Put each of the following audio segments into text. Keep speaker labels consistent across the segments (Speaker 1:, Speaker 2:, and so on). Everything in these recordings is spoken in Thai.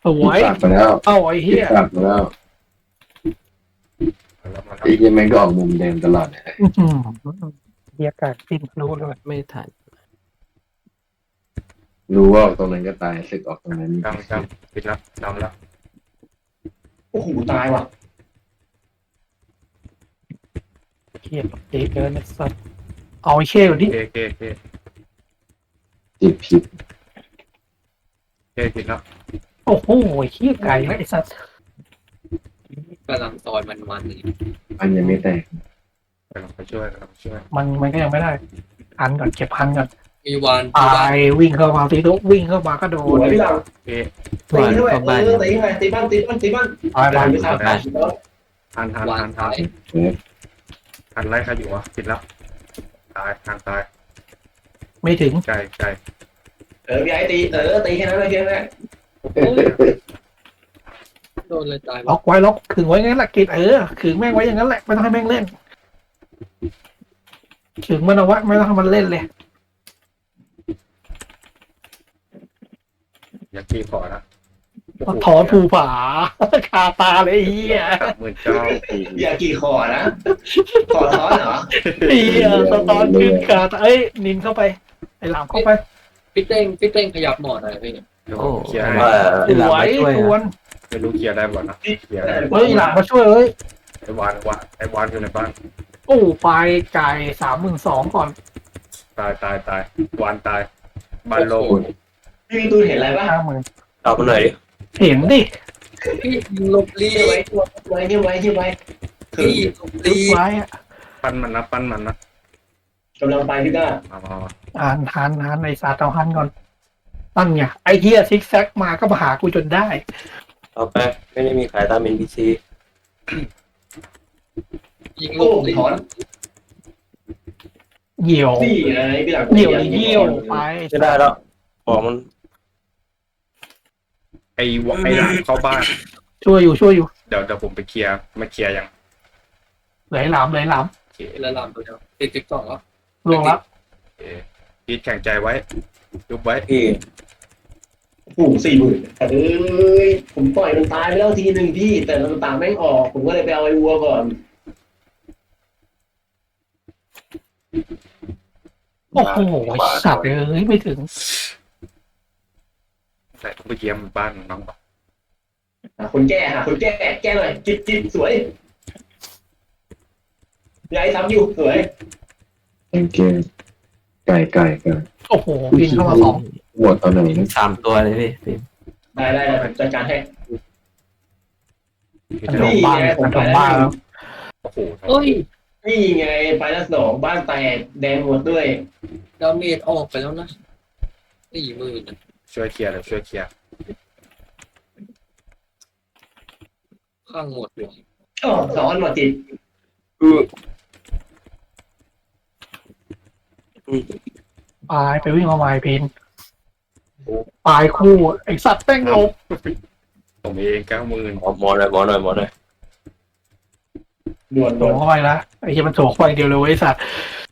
Speaker 1: วย
Speaker 2: ตัดไปแล้ว
Speaker 1: เอ้าไอ้เหี้ย
Speaker 2: ตัดไปแล้ว
Speaker 3: มาแล้ว
Speaker 2: ไอ้ยังไม่ก็ออกมุมเดิมตลอดเลย
Speaker 1: อื้อหือเหี้ยกาดปิ้นรู้เลย
Speaker 4: ไม่ทัน
Speaker 2: รู้ว่าออกตรงนั้นก็ตายสึกออกตรงนั้น
Speaker 3: จำปิดแล้วจำแล้ว
Speaker 5: โอ้โหตายว่ะ
Speaker 1: เหี้ยเจ๊เกินไอ้สัสเอาไอ้เช่ก่อนดิ
Speaker 3: เค
Speaker 2: จิตผิด
Speaker 3: ปิดแล้ว
Speaker 1: โอ้โหไอ้เหี้ยไก่ไอ้สัส
Speaker 4: กำลังซอยมันๆอยู่
Speaker 2: อันยังไม่แตก
Speaker 3: กำลังไปช่วย
Speaker 1: มันก็ยังไม่ได้พันก่อนเก็บพันก่อน
Speaker 4: มีวาน
Speaker 1: ตายวิ่งเข้ามาตีตุ๊กวิ่งเข้ามาก็โด
Speaker 5: สวน ยพี่หลัง
Speaker 3: เค
Speaker 4: วาน
Speaker 5: ตีด้วย
Speaker 4: เข้าบ้าน
Speaker 5: ตีไงตีบ้านตีบ้านตีบ้าน
Speaker 1: ตายไป
Speaker 5: ไม่ทัน
Speaker 4: วานซ้าย
Speaker 3: ทันไล่ใครอยู่วะปิดแล้วตายตาย
Speaker 1: ไม่ถึง
Speaker 3: ไก่
Speaker 5: พี่ไอ้ตีตีแค่นั้นเลยแค่นั้น
Speaker 4: โดนเลยตาย
Speaker 1: ล็อกไว้ล็อกขึงไว้งั้นแหละกิดขึงแม่งไว้อย่างนั้นแหละไม่ต้องให้แม่งเล่นขึงมันเอาไว้ไม่ต้องให้มันเล่นเลย
Speaker 3: อยากขี่ขอนะ
Speaker 1: ถอนภูผาคาตาเลยไอ้เหี้ย
Speaker 3: 39,000
Speaker 5: อย่ากี่ขอนะขอท้อนเหรอ
Speaker 1: ไอ้เหี้ยสตอนขึ้นคาตานินเข้าไปไอ้หลามเข้าไป
Speaker 4: พี่เต้งขยับหมอนหน่อยพี่
Speaker 3: เคลียร์
Speaker 1: สวยทวน
Speaker 3: ไม่รู้เคลียร์ได้บ่นะเคลียร์ได้
Speaker 1: เฮ้ยหลามมาช่วยเอ้ย
Speaker 3: ไอ้วานอยู่ในบ้าน
Speaker 1: โอ้ไฟไก่32,000ก่อน
Speaker 3: ตายวานตายบ้านโล
Speaker 5: พี่มีตูนเห็นอะไรป่ะ
Speaker 1: 50,000
Speaker 4: เอามาหน่อยดิ
Speaker 1: เห็นดิ
Speaker 4: พี่ลบลี
Speaker 5: ไว้ไว้ไว้คือ
Speaker 4: พี่ลบ
Speaker 1: ลึ
Speaker 4: ลี
Speaker 1: กไว้อะ
Speaker 3: ปั้นมันนะ
Speaker 5: กำลังไปพี่ก้า
Speaker 3: มา
Speaker 1: หันไอ้สาเตาหันก่อนตั้งไงไอ้เหี้ยซิกแซกมาก็มาหากูจนได้
Speaker 6: เอาไปไม่ได้มีขายตาม NPC
Speaker 4: ยิงล
Speaker 5: โอ้
Speaker 4: บลี
Speaker 5: ถอน
Speaker 1: เหี่ยว
Speaker 5: นี่ไงพี่หลัง
Speaker 1: เหี่ยวเหี่ยวไป
Speaker 6: ไม่ได้แล้วของมัน
Speaker 3: ไอ้หลานเข้าบ้าน
Speaker 1: ช่วยอยู่
Speaker 3: เดี๋ยวผมไปเคลียร์มาเคลียร์ยัง
Speaker 1: ไหลหลาม
Speaker 4: ละลำตัวเดียวติด12แล้ว
Speaker 1: ลงแล้ว
Speaker 3: พีทแข่งใจไว้ยุบไว้
Speaker 6: พี่
Speaker 5: โอ้40,000ผมปล่อยมันตายไปแล้วทีหนึ่งพี่แต่มันตามแม่งออกผมก็เลยไปเอาไอ้วัวก่อน
Speaker 1: โอ้โหสัตว์ไม่ถึง
Speaker 3: แต่ต้องไปเยี่ยมบ้านน้องก่อน
Speaker 5: คนแก้แก้หน่อยจิตสวยยายทำอยู่สวย
Speaker 2: เก่งเก่งไก่
Speaker 1: โอ้โหบินเข้ามา2
Speaker 2: หมดตอนไหน
Speaker 6: 3 ตัวเลยพี่
Speaker 5: ได้จัดการให้
Speaker 1: มันโดนบ้านแล้ว
Speaker 3: โอ้โห
Speaker 4: เฮ้ย
Speaker 5: นี่ไงไปละ2บ้านแตกแดงหมดด้วย
Speaker 4: ดาเมจออกไปแล้วนะ40,000
Speaker 3: ช่วยเคลียร์เลยช่วยเคลียร์
Speaker 4: ข้างหมดเลย
Speaker 5: อ๋อซ้อนมาจิต
Speaker 1: ไปวิ่งมาใหม่พินตายคู่ไอ้สัตว์แป้งลบ
Speaker 3: ผมเอง90,000
Speaker 6: หมอหน่อย
Speaker 5: ด่วน
Speaker 1: โถเข้าไปละไอ้เหี้ยมันโถเข้าไปเดียวเลยไอ้สัตว์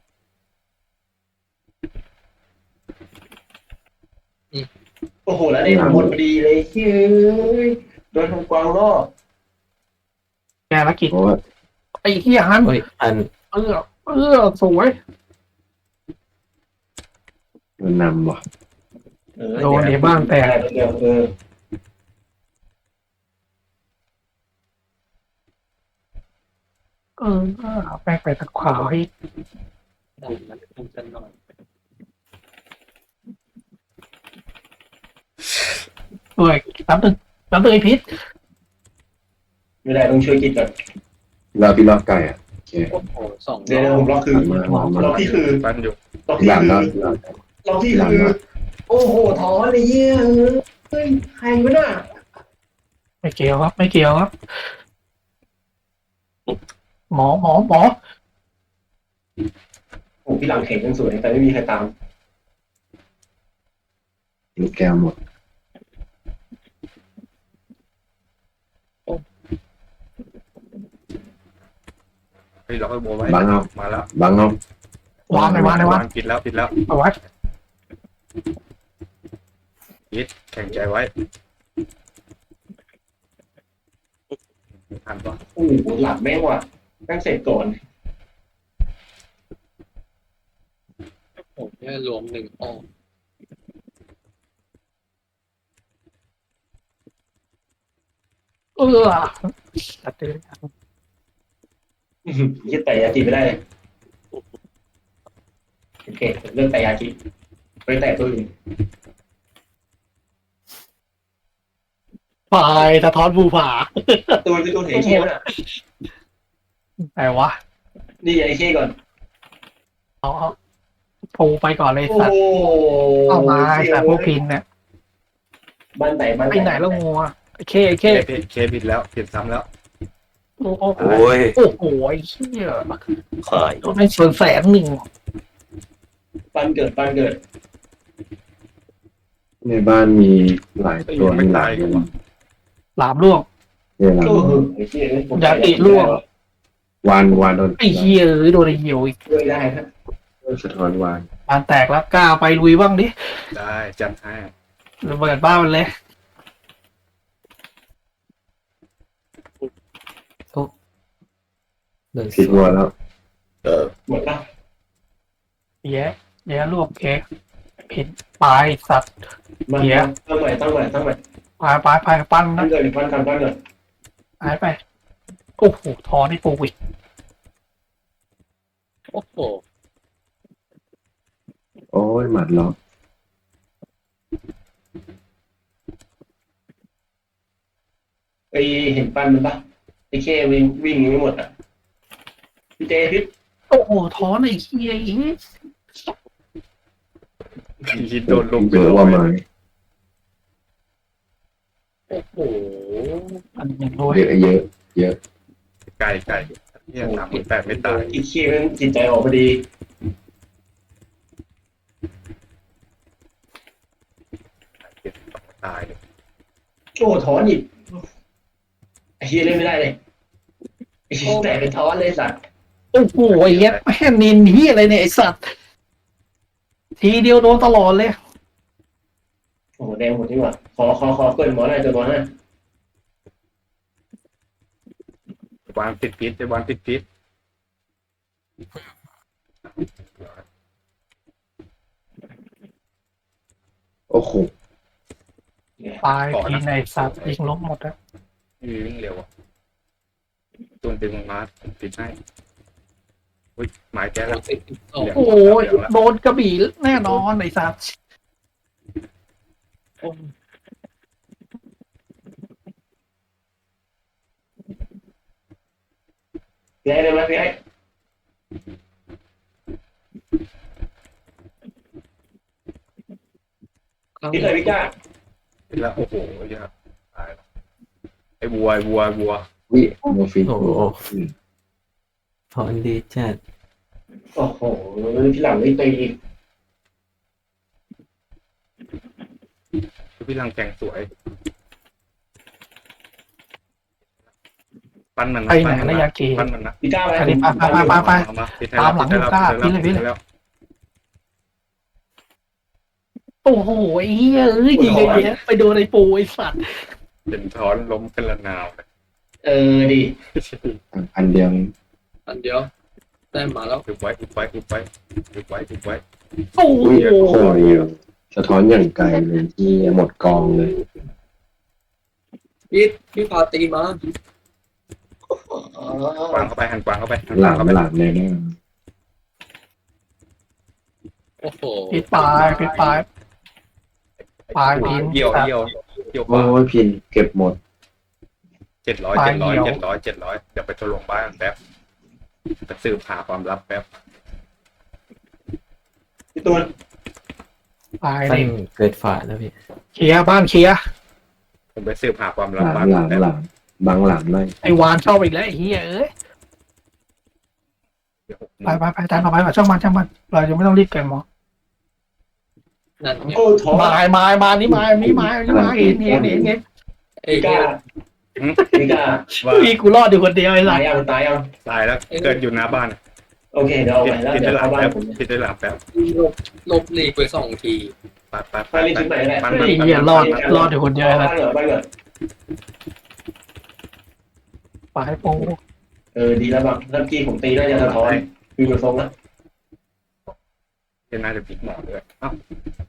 Speaker 5: โอ้โหแล้วได้หมดพอดีเลยเฮ้ยโดนทงกวางล่อ
Speaker 1: แกละกิจ
Speaker 2: เพราะว่า
Speaker 1: ไอ้เหี้ยหัน
Speaker 6: เฮ้ยอัน
Speaker 1: สวย
Speaker 2: มันนำว่ะ
Speaker 1: โดนในบ้านแตก
Speaker 5: เดียว
Speaker 1: แป้งไปตะขวาให้
Speaker 4: ดันมันคุมกันหน่อย
Speaker 1: ด้วยน้ำตึงไอ้พิษ
Speaker 5: ไม่ได้ต้องช่วยจิตก่อน
Speaker 2: พี่รอบไก่อ่ะโอเค
Speaker 4: โอ้โห2
Speaker 5: เดี๋ยวผมล็อกคือ
Speaker 2: มา
Speaker 5: ล็อกที่คือ
Speaker 3: บ้านอยู่
Speaker 5: ล็อกที่
Speaker 2: หลัง
Speaker 5: คือ
Speaker 2: แล้ว
Speaker 5: ล็อกที่คือโอ้โหถอนเลยเยี่ยเฮ้ยใครวะน่ะ
Speaker 1: ไม่เกี่ยวครับหมอ
Speaker 5: โอ้พี่หลังเห็นยังสวยแต่ไม่มีใครตาม
Speaker 2: ลูกแก้วหมด
Speaker 3: เฮ้ยเราก็โบไว้
Speaker 2: บังเอา
Speaker 3: มาแล้ว
Speaker 2: บังเอา
Speaker 1: วางเลยวาง
Speaker 3: ปิดแล้ว
Speaker 1: เอาไว้
Speaker 3: พีทแข่งใจไว้ทันปะ
Speaker 5: โอ้โหหลับแม่งว่ะแม่งเสร็จก่อน
Speaker 4: ผมแค่รวม1 อ้อม
Speaker 1: ตัดเลย
Speaker 5: ยึดแต่ยาจีไม่ได้เลยโอเคเรื่องแต่ยาจีไปแต่ตัวอื่น
Speaker 1: ปลายสะท้อนภูผา
Speaker 5: ตัวคือตัวเห็นเชี่ยวน่ะ
Speaker 1: ไหนวะ
Speaker 5: นี่ไอ้เชี่ยก่อน
Speaker 1: เอาปูไปก่อนเลย
Speaker 5: โอ้
Speaker 1: สัตว์
Speaker 5: โห
Speaker 1: เอามาไอ้สัตว์พวกพินเนี่ย
Speaker 5: บ้านไหนบ้าน
Speaker 1: ไปไหนแล้วงัวเค
Speaker 3: เคผิดแล้วผิดซ้ำแล้ว
Speaker 1: โอ้โห
Speaker 6: โอ้ย
Speaker 1: โอ้โหไอ้เหี้ย
Speaker 6: ขาย
Speaker 1: โดนไปส่วน100,000
Speaker 5: บ้านเกิดบ้านเกิด
Speaker 2: ในบ้านมีหลายตัว
Speaker 3: ไม่
Speaker 2: ห
Speaker 3: ตา
Speaker 2: ลาย ย
Speaker 3: กันวะ
Speaker 1: หลามล่วง
Speaker 2: เนี่ยหลัง
Speaker 5: โอ้โหไอ้เชี่ยผม
Speaker 1: ยาติร่วง
Speaker 2: วานโดน
Speaker 1: ไอ้เหี้ยเอ้ยโดนไอ้เหี่ยวอีก
Speaker 5: ด้วยได้ครับ
Speaker 2: สะท้อนวาน
Speaker 1: บานแตกแล้วกล้าไปลุยบ้างดิ
Speaker 3: ได้จัดให้
Speaker 1: ระเบิดบ้านมันเลย
Speaker 6: เลย
Speaker 2: ผิดวัวแล้ว
Speaker 5: หมดละ
Speaker 1: แย่รวบเค้กผิดปลายสัตว์
Speaker 5: มา
Speaker 1: เหี้ย
Speaker 5: ตั้งใหม่ตั้งใหม่ตั้งใหม่
Speaker 1: ไปปั้น
Speaker 5: บ้า
Speaker 1: นะ
Speaker 5: นเกิดบ้านกันบ้านเกิด
Speaker 1: หายไปโอ้โหทอนี่ปูอีก
Speaker 4: โอ้โห
Speaker 2: โอ้ยหมัดล็อก
Speaker 5: ไอเห็นปั้นมันปะไอเควิ่งวิ่งไม่หมดอ่ะพี่เจพี่
Speaker 1: โอ้โหทอไอ้เหี้ยอีก
Speaker 3: คิดโดนลงไป
Speaker 2: เยอะว่าไม้
Speaker 4: โอ้โห
Speaker 1: อันหนึ่งด้วย
Speaker 2: เยอะ
Speaker 3: ไก่เนี่ย38ไม่ตาย
Speaker 5: อีเคมันจิตใจออกพอดี
Speaker 3: ตาย
Speaker 5: โอ้ถอนอีกไอ้เฮียเล่นไม่ได้เลยไอ้เหี้ยแต่เป็นถอนเลยสัตว์
Speaker 1: โอ้โหไอ้เหี้ยแม่งนินเหี้ยอะไรเนี่ยไอ้สัตว์ทีเดียวโดนตลอดเลย
Speaker 5: โอ้โหแดงหมดนี่หว่าขอเกินหมอหน่อยตัวหมอหน่อยว
Speaker 3: างติดพิษวางติดพิษ
Speaker 2: โอ้โห
Speaker 1: ตายทีในสัตว์ยิงล้มหมดแล้ว
Speaker 3: วิ่งเร็วอ่ะตัวดึงมาติดให้อุ้ยหมายแก้แล้ว
Speaker 4: 10
Speaker 1: โอ้ยโดนกระบี่แน่นอนไอ้สัตว์
Speaker 5: พี่ไอ้ได้ไหมพี่ไอ้พี่เลยพี่กล้า
Speaker 3: ติดแล้วโอ้โหเยอะตายแล้วไอ้วัว
Speaker 2: วิโมฟิน
Speaker 6: โอ้โหถอนดีจัด
Speaker 5: โอ้โหพี่หลังไม่ตีอีก
Speaker 3: พี่ลังแข่งสวยปั้นมัน
Speaker 1: ไปไหนแล้วยาเก
Speaker 3: ปั้นมันนะ
Speaker 5: พี่กล้าไป
Speaker 1: อันนี้ไป
Speaker 3: เอามาติด
Speaker 1: ตามหลังอยู่กล้าพี่เลย โอ้โหไอ้เหี้ยเอ้ยยิงไอ้เหี้ยไปโดนไอ้ปูไอ้สัตว์
Speaker 3: เป็นท้อนล้มกันละนาวเลย
Speaker 5: ดิ
Speaker 2: อันเดียว
Speaker 4: อันเดียวได้มาแล้ว
Speaker 3: อุบไว้
Speaker 1: โอ้โห
Speaker 2: อุ้ยโอ้ยสะท้อนอย่างไกลเลยที่หมดกองเลย
Speaker 4: พี่พาตีมาก
Speaker 3: วางเข้าไปหันกวางเข้าไป
Speaker 2: หลามเลยนะ
Speaker 4: โอ้โห
Speaker 1: ปิดปลายพิน
Speaker 3: เกี่ยว
Speaker 2: โอ้ยพินเก็บหมด
Speaker 3: 700เดี๋ยวไปทดลองบ้านแป๊บไปสืบหาความลับแป๊บ
Speaker 5: พี่ตูน
Speaker 1: ปลาย
Speaker 6: ตั้
Speaker 1: นี่
Speaker 6: งเกิดฝาแล้วพี่
Speaker 1: เคลียร์บ้านเคลียร์
Speaker 3: ผมไปสืบหาความ
Speaker 2: ห
Speaker 3: ลับ
Speaker 2: ลาม
Speaker 3: บ้าน
Speaker 2: หลาม
Speaker 3: แป๊บ
Speaker 2: หลามบางหลามเลย
Speaker 1: ไอ้วานเข้าไปอีกแล้วไอ้เหี้ยเอ้ยไปตามต่อไปก่อนช่างมันเราจะไม่ต้องรีบเกินหมอ
Speaker 4: นั่นเนี่ย
Speaker 5: โอ้ถอน
Speaker 1: มานี่มาเห็น
Speaker 5: พี่กล้าพี่กล้า
Speaker 3: ว่า
Speaker 1: พี่กูรอดอยู่คนเดียวไอ้สั
Speaker 5: ตา
Speaker 1: ต
Speaker 5: ย
Speaker 1: ว์
Speaker 5: ยัง
Speaker 3: ตายแล้วเกิดอยู่หน้าบ้าน
Speaker 5: โอเคเดี๋ยวเอาไปแล้ว
Speaker 3: ติด
Speaker 5: เดี๋
Speaker 3: ได้
Speaker 5: ยว
Speaker 3: หลั
Speaker 5: เข้าง บ้าน
Speaker 3: แป๊บ
Speaker 5: ผม
Speaker 3: ติดได้หลังแป๊บ
Speaker 4: ลบหลีกไป2 ที
Speaker 3: ไป
Speaker 5: ไปรีบทิ้งใหม่ก็ได้
Speaker 3: ปั้น
Speaker 1: ไอ้เหี้ยรอดอยู่คนเดียวไอ้สัตว์
Speaker 5: บ้านก่อน
Speaker 1: ปลายโป้
Speaker 5: ดีแล้วแบบเมื่อกี้ผมตีน่าจะสะท้อนคือดูทรงละ
Speaker 3: จะน่าจะพลิกหมอด้วยอ้าว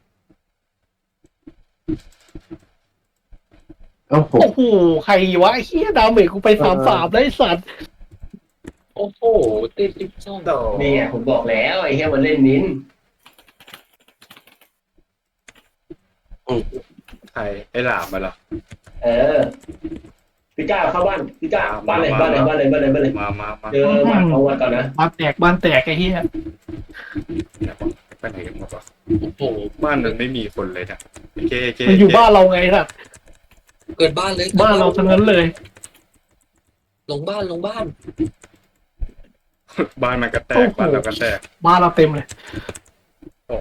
Speaker 2: เอ้าผม
Speaker 1: โอ้โหใครวะไอ้เฮียดาเมจกูไป3-3ได้สัตว์
Speaker 4: โอ้โหติด12
Speaker 3: โต
Speaker 5: นี่ไงผมบอกแล้วไอ้เหี้ยมันเล่นนิ้น
Speaker 3: ใครไอ้หลามมาเหรอ
Speaker 5: พี่ก้าเข้าบ้านพี่ก้าบ้านเลยบ้านเลยบ้านเลยบ้านเลยบ้านเลย
Speaker 3: มา
Speaker 5: เจอหมัดเอาไว้ก่อนนะ
Speaker 1: บ้านแตกบ้านแตกไอ้เฮีย
Speaker 3: เนี่ยบอกไปไหนกันหมดวะ
Speaker 4: โอ้โห
Speaker 3: บ้านมันไม่มีคนเลยนะเค
Speaker 1: มันอยู่บ้านเราไงสัตว์
Speaker 4: เกิดบ้านเลย
Speaker 1: บ้านเราทั้งนั้นเลย
Speaker 4: ลงบ้าน
Speaker 3: บ้านมันก็แตกบ้านเราก็แตก
Speaker 1: บ้านเราเต็มเลย
Speaker 3: โอ้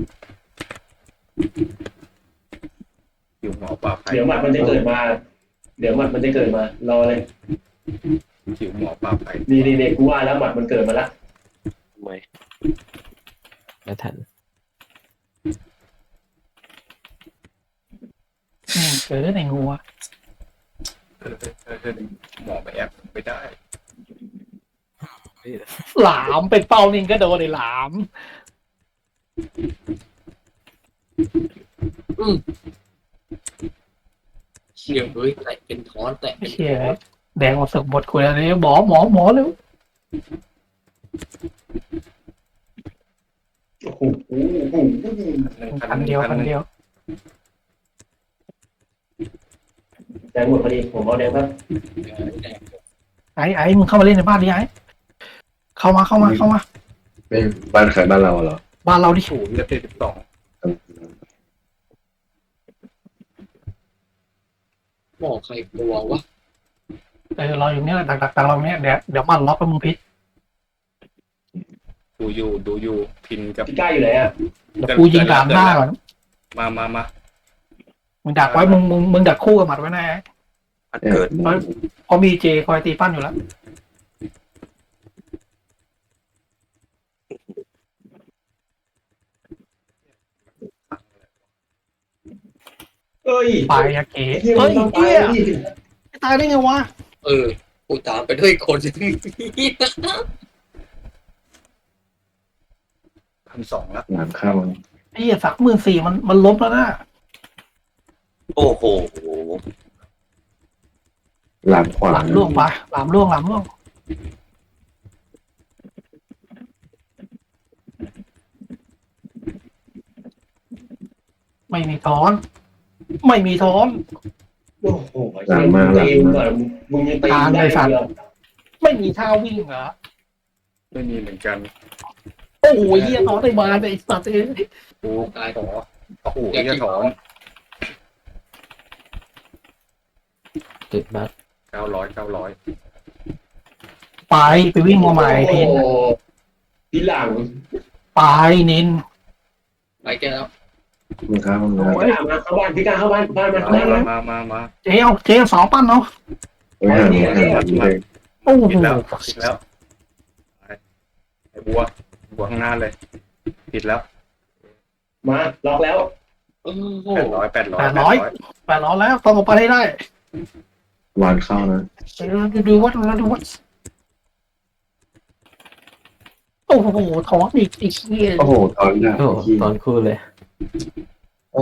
Speaker 3: อยู่หมอปลาไผ่
Speaker 5: เดี๋ยวหมัดมันจะเกิดมารอเลย
Speaker 3: หิวหมอปลาไผ่
Speaker 5: นี่กูว่าแล้วหมัดมันเกิดมาละ
Speaker 6: ไม่ไม่ทัน
Speaker 1: เจอในงัว
Speaker 3: หมอไปแอบไม่ได้
Speaker 1: หลามเป็นเป้านิ่งก็โดนไอ้หลาม
Speaker 4: เชี่ยเฮ้ยแตะเป็นท้อนแตะ
Speaker 1: ไอ้เฮียแดงออกสึกหมดคุยอะไรหมอเร็ว
Speaker 5: โอ้โห
Speaker 1: คันเดียว
Speaker 5: แดงหมดพอดีผมเอาแดงครับ
Speaker 1: ไอ้มึงเข้ามาเล่นในบ้านดิไอ้เข้ามา
Speaker 2: ไม่บ้านใครบ้านเราเหรอ
Speaker 1: บ้านเราดิ
Speaker 3: ศูนย์กับ72
Speaker 4: หมอใครกลัววะ
Speaker 1: เราอยู่เนี่ยดักเราเนี่ยเดี๋ยวมันล็อกกับมึงพิษ
Speaker 3: ดูอยู่พินกับ
Speaker 5: พี่ก้าอยู่ไหนอ่ะ
Speaker 1: เดี๋ยวกูยิงดาบหน้าก่อน
Speaker 3: มา
Speaker 1: มึงดักไว้มึงดักคู่กับหมัดไว้นะ
Speaker 6: อันเกิด
Speaker 1: เพราะมีเจคอยตีปั้นอยู่แล้ว
Speaker 5: เอ้ย
Speaker 1: ปลายยาเก๋
Speaker 5: เฮีย
Speaker 1: เฮ้ย
Speaker 5: ต้อง
Speaker 1: เฮี
Speaker 5: ตาย
Speaker 1: ย
Speaker 5: ดิ
Speaker 1: ตายได้ไงวะ
Speaker 4: กูตามไปด้วยคน
Speaker 3: 1,200แล้ว
Speaker 2: หลังเข้า
Speaker 1: ไอ้เหี้ย34,000มันล้มแล้วนะ
Speaker 6: โอ้โห
Speaker 2: หลังขวา
Speaker 1: หลามล่วงปะหลามล่วงไม่มีท้อน
Speaker 5: โอ้โหเฮียมึงตีมึงก่อนมึงยังตีไม่ได้เลย
Speaker 1: ไม่มีท่าวิ่งเหรอ
Speaker 3: ไม่มีเหมือนกัน
Speaker 1: โอ้โหเหี้ยท้อนได้มาไอ้สัตว์เอ้ย
Speaker 3: โอ้ขอโอ้โหจะถอน
Speaker 6: ติดบัตร
Speaker 3: 900
Speaker 1: ไปวิ่งมาใหม่พิน
Speaker 5: โอ้โหทีหลัง
Speaker 1: ไปนิน
Speaker 4: ไปแกแล้ว
Speaker 2: มึงเข้าห้องน้
Speaker 5: พี่ก้ามาเข้าบ้านพี่ก้าเข้าบ้านบ้านมาเข้าบ้านนะ
Speaker 3: มา
Speaker 1: เจ๊เอาสองปั้นเนาะ
Speaker 2: ำไม่ห่างเลย
Speaker 1: โอ้โห
Speaker 3: ผิดแล้วไอ้บัวข้างหน้าเลยผิดแล้ว
Speaker 5: มาล็อกแล้ว
Speaker 4: โอ้โห
Speaker 3: 800
Speaker 1: 800แล้วต้องออกไปให้ได้
Speaker 2: วานเข้านะ
Speaker 1: ดูวัดโอ้โหท้องอีกไอ้เหี้ย
Speaker 2: โอ้โหตอนนี้
Speaker 6: โอ้ตอนคู่เลย
Speaker 2: โอ้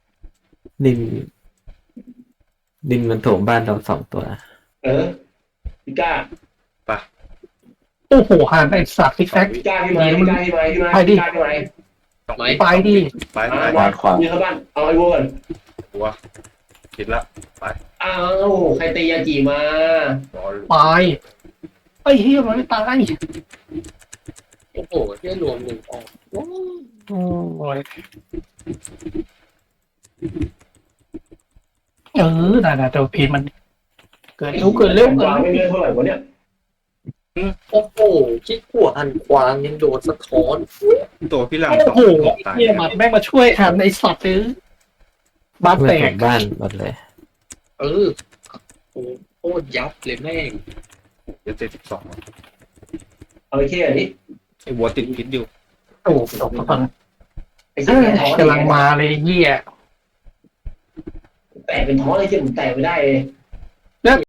Speaker 6: ดินมันโถมบ้านเรา2 ตัว
Speaker 5: พี่ก้า
Speaker 1: โอ้โหหันไอ้สัตว์ซิกแซก
Speaker 5: พี่ก้าพี่ไม้พี่ก้าพี่ไม้พี่ไม้พี่ก้าพี่ไม้
Speaker 1: ไปดิ
Speaker 3: ไป
Speaker 2: วานขวา
Speaker 5: มีเข้าบ้านเอาไอ้วัวก่อน
Speaker 3: บัวผิดแล้ว
Speaker 5: อ้าวใครตียาจีมา
Speaker 1: ไปไอ้เหี้ยมันไม่ตาย
Speaker 4: โอ้โหเที่ยรวมหนึ่งออกโอ้
Speaker 1: โอ้ยน่ะเดี๋ยวพีนมันเกิดเร็ว
Speaker 5: วางไม่เลื่อนเท่าไหร่วะเนี่ย
Speaker 4: โอ้โหคิดหัวอันควางยังโดนสะท้อน
Speaker 3: ตัวพี่หลัง
Speaker 1: โอ้โห
Speaker 3: ตาย
Speaker 1: เหี้ยหมัดแม่งมาช่วยหันไอ้สัตว์ซื้อบ้าน
Speaker 6: เพื่อ
Speaker 1: แต
Speaker 6: ถ
Speaker 1: ก
Speaker 6: มบ้านหมดเลย
Speaker 4: โอ้โคตรยับเลยแม่ง
Speaker 3: จะ72
Speaker 5: เอาไอ้แค่นี้
Speaker 3: ไอ้บัวติดพิษอยู่
Speaker 1: โอ้โหตกตอน
Speaker 5: ไอ้เหี้ย
Speaker 1: กำลังมาเลยเหี้ย
Speaker 5: แตกเป็นท้อเลยที่ผมแตกไม่ได้เลย